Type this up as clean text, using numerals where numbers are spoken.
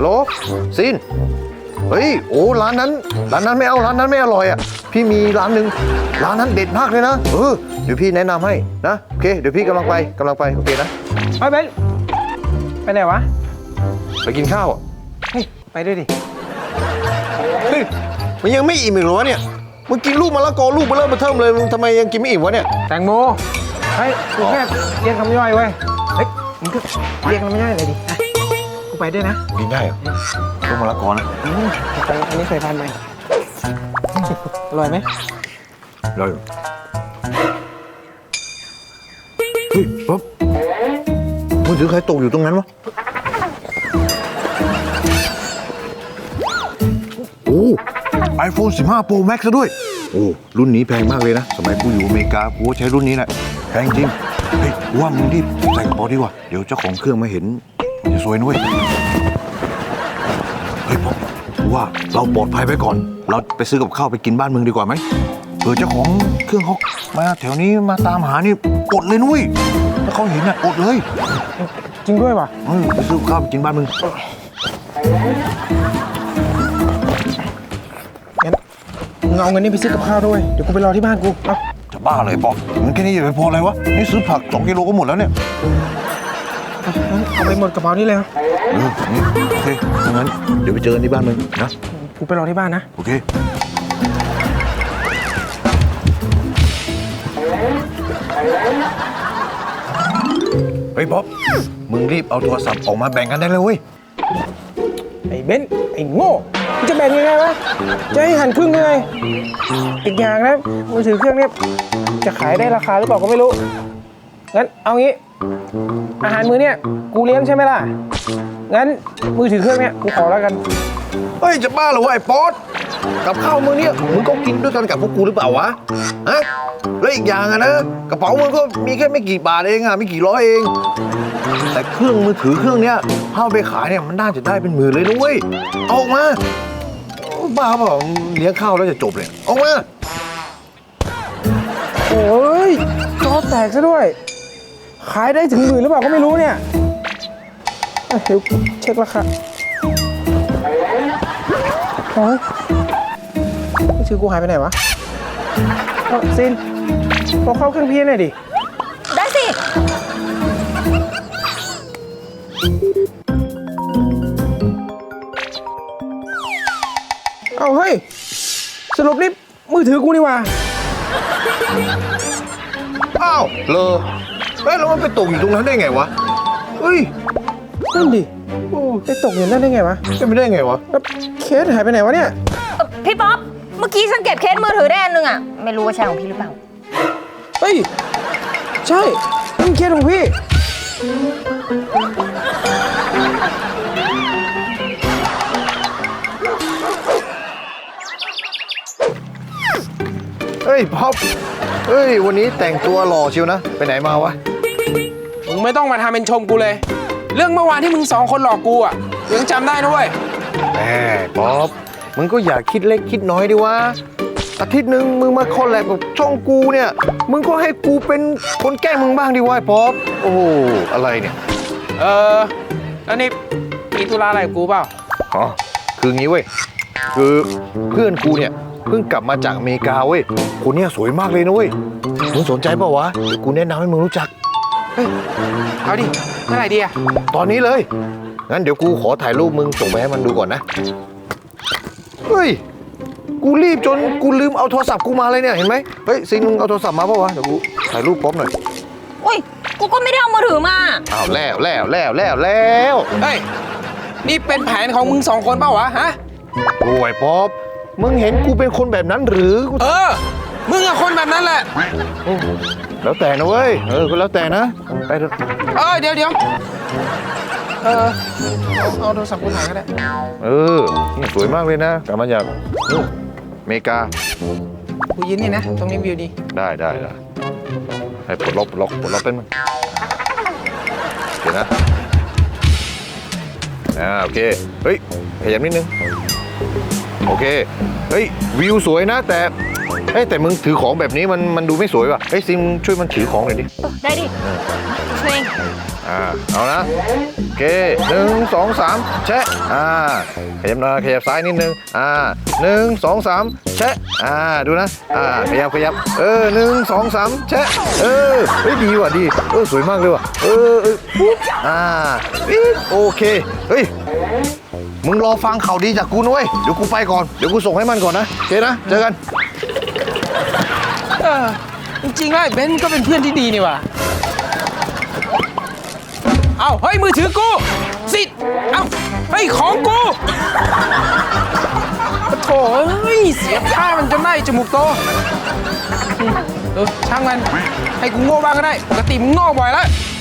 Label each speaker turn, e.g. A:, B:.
A: ลโหลซินเฮ้ยโอ้ร้านนั้นไม่เอาร้านนั้นไม่อร่อยอ่ะพี่มีร้านหนึ่งร้านนั้นเด็ดมากเลยนะเดี๋ยวพี่แนะนำให้นะโอเคเดี๋ยวพี่กำลังไปโอเคนะ
B: ไปเบนไปไหนวะ
A: ไปกินข้าวอ่ะ
B: เฮ้ยไปด้วยดิ
A: เฮ้ยมันยังไม่อิ่มอีกเหรอวะเนี่ยมึงกินลูกมะละกอลูกเบลอมาเทิมเลยมึงทำไมยังกินไม่อิ่มวะเนี่ย
B: แตงโมเฮ้ยกูแค่เรียกคำย่อยเว้ยเฮ้ยมึงก็เรียกคำย่อยเลยดิกูไปด้วยนะ
A: กินได้เหรอลูกมะละกอนะ
B: อันนี้ใส่พันธุ์ไหมอร่อยไหม
A: อร่อยเฮ้ยป๊อปมือถือใครตกอยู่ตรงนั้นวะโอ้ iPhone 15 Pro Max ซะด้วยโอ้รุ่นนี้แพงมากเลยนะสมัยกูอยู่อเมริกากูใช้รุ่นนี้แหละแพงจริงเฮ้ยว่ามึงรีบใส่กระเป๋าดีกว่าเดี๋ยวเจ้าของเครื่องมาเห็นจะซวยนุ้ยเฮ้ยป๊อปว่าเราปลอดภัยไปก่อนเราไปซื้อกับข้าวไปกินบ้านมึงดีกว่าไหมเจ้าของเครื่องเขามาแถวนี้มาตามหานี่อดเลยนุ้ยถ้าเขาเห็นน่ะอดเลย
B: จริงด้วยป่ะ
A: ไปซื้อกับข้าวไปกินบ้านมึง
B: งั้นมึงเอาเงินนี้ไปซื้อกับข้าวด้วยเดี๋ยวกูไปรอที่บ้านกูเอา
A: จะบ้าเลยปอมันแค่นี้อย่าไปพออะไรวะนี่ซื้อผัก2 กิโลก็หมดแล้วเนี่ย
B: เอาไปหมดกระเป๋านี่เลย
A: โอเคงั้นเดี๋ยวไปเจอกันที่บ้านมึงนะ
B: กูไปรอที่บ้านนะ
A: โอเคเฮ้ยป๊อปมึงรีบเอาโทรศัพท์ออกมาแบ่งกันได้เลยเว้ย
B: ไอ้เบนไอ้โง่มึงจะแบ่งยังไงวะจะให้หั่นครึ่งยังไงอีกอย่างนะมือถือเครื่องนี้จะขายได้ราคาหรือเปล่าก็ไม่รู้งั้นเอางี้อาหารมื้อเนี้ยกูเลี้ยงใช่ไหมล่ะงั้นมือถือเครื่องเนี้ยกูขอแล้วกัน
A: เฮ้ยจะบ้าเหรอวะไอ้ป๊อตกับข้าวมื้อนี้มึงก็กินด้วยกันกับพวกกูหรือเปล่าวะฮะแล้วอีกอย่างอะนะกระเป๋ามึงก็มีแค่ไม่กี่บาทเองอะไม่กี่ร้อยเองแต่เครื่องมือถือเครื่องเนี้ยถ้าไปขายเนี่ยมันน่าจะได้เป็นหมื่นเลยนะเว้ยเอาออกมาบ้าเปล่าเลี้ยงข้าวแล้วจะจบเลยออกมา
B: โอ้ยจอแตกซะด้วยขายได้ถึงหมื่นหรือเปล่าก็ไม่รู้เนี่ยเดี๋ยวเช็คราคาโอ้ยมือถือกูหายไปไหนวะซินพอเข้าเครื่องพี่หน่อยดิ
C: ได้สิ
B: เอาเฮ้ยสรุปนี่มือถือกูนี่วะ
A: อ้าวเลอแล้วมันไปตกอยู่ตรงนั้นได้ไงวะเฮ้ย
B: นั่นดิไปตกอยู่นั่นได้ไงวะ
A: จะไม่ได้ไงวะ
B: แล้วเคสหายไปไหนวะเนี่ย
C: พี่ป๊อปเมื่อกี้ฉันเก็บเคสมือถือได้อันนึงอ่ะไม่รู้ว่าใช่ของพี่หรือเปล่า
B: เฮ้ยใช่นี่เคสของพี่
A: เฮ้ยป๊อปเฮ้ยวันนี้แต่งตัวหล่อเชียวนะไปไหนมาวะ
B: มึงไม่ต้องมาทำเป็นชมกูเลยเรื่องเมื่อวานที่มึง2 คนหลอกกูอ่ะยังจำได้นะเว้ย
A: แหมป๊อปมึงก็อย่าคิดเล็กคิดน้อยดิวะอาทิตย์หนึ่งมึงมาคอลแลบกับช่องกูเนี่ยมึงก็ให้กูเป็นคนแกล้งมึงบ้างดิวะป๊อปโอ้โหอะไรเนี่ย
B: แล้วนี่มีธุระอะไรกับกูเปล่า
A: อ๋อคืองี้เว้ยคือเพื่อนกูเนี่ยเพิ่งกลับมาจากอเมริกาเว้ยคนเนี้ยสวยมากเลยนะเว้ยมึงสนใจเปล่าวะเดี๋ยวกูแนะนำให้มึงรู้จัก
B: เอาดิเมื่อไหร่ดีอะ
A: ตอนนี้เลยงั้นเดี๋ยวกูขอถ่ายรูปมึงส่งไปให้มันดูก่อนนะเฮ้ยกูรีบจนกูลืมเอาโทรศัพท์กูมาเลยเนี่ยเห็นไหมเฮ้ยซินมึงเอาโทรศัพท์มาเปล่าวะเดี๋ยวกูถ่ายรูปพร้อมหน่อย
C: อุ้ยกูก็ไม่ได้เอามือถือมา
A: อ้าวแล้วเ
B: ฮ้ยนี่เป็นแผนของมึง2 คนเปล่าวะฮะ
A: โอ้ยป๊อปมึงเห็นกูเป็นคนแบบนั้นหรือ
B: มึงอะคนแบบนั้นแหละ
A: แล้วแต่นะเว้ยก็แล้วแต่นะไปเถอะ
B: เดี๋ยวเอาโทรศัพท์กูถ่ายก็ได้
A: นี่สวยมากเลยนะกลับมาจากอเมริกา
B: กูยืนนี่นะตรงนี้วิวดี
A: ได้ให้ปลดล็อกเป็นมั้งโอเคนะโอเคเฮ้ยขยับนิดนึงโอเคเฮ้ยวิวสวยนะแต่มึงถือของแบบนี้มันดูไม่สวยว่ะเฮ้ยซิมช่วยมันถือของหน่อยดิ
C: ได้ดิช่วย
A: เอานะโอเค1 2 3แชะขยับหน่อยขยับซ้ายนิดนึง1 2 3แชะดูนะขยับ1 2 3แชะเฮ้ยดีว่ะดีสวยมากเลยว่ะปุ๊บโอเคเฮ้ยมึงรอฟังข่าวดีจากกูนะเว้ยเดี๋ยวกูไปก่อนเดี๋ยวกูส่งให้มันก่อนนะโอเคนะเจอกัน
B: จริงๆแล้วไอ้เบนซ์ก็เป็นเพื่อนที่ดีนี่ว่ะเอ้าเฮ้ยมือถือกูสิเอ้าเฮ้ยของกูโถ่เฮ้ยเสียท่ามันจนได้จมูกโตช่างมันให้กูโง่บ้างก็ได้ปกติมึงโง่บ่อยแล้ว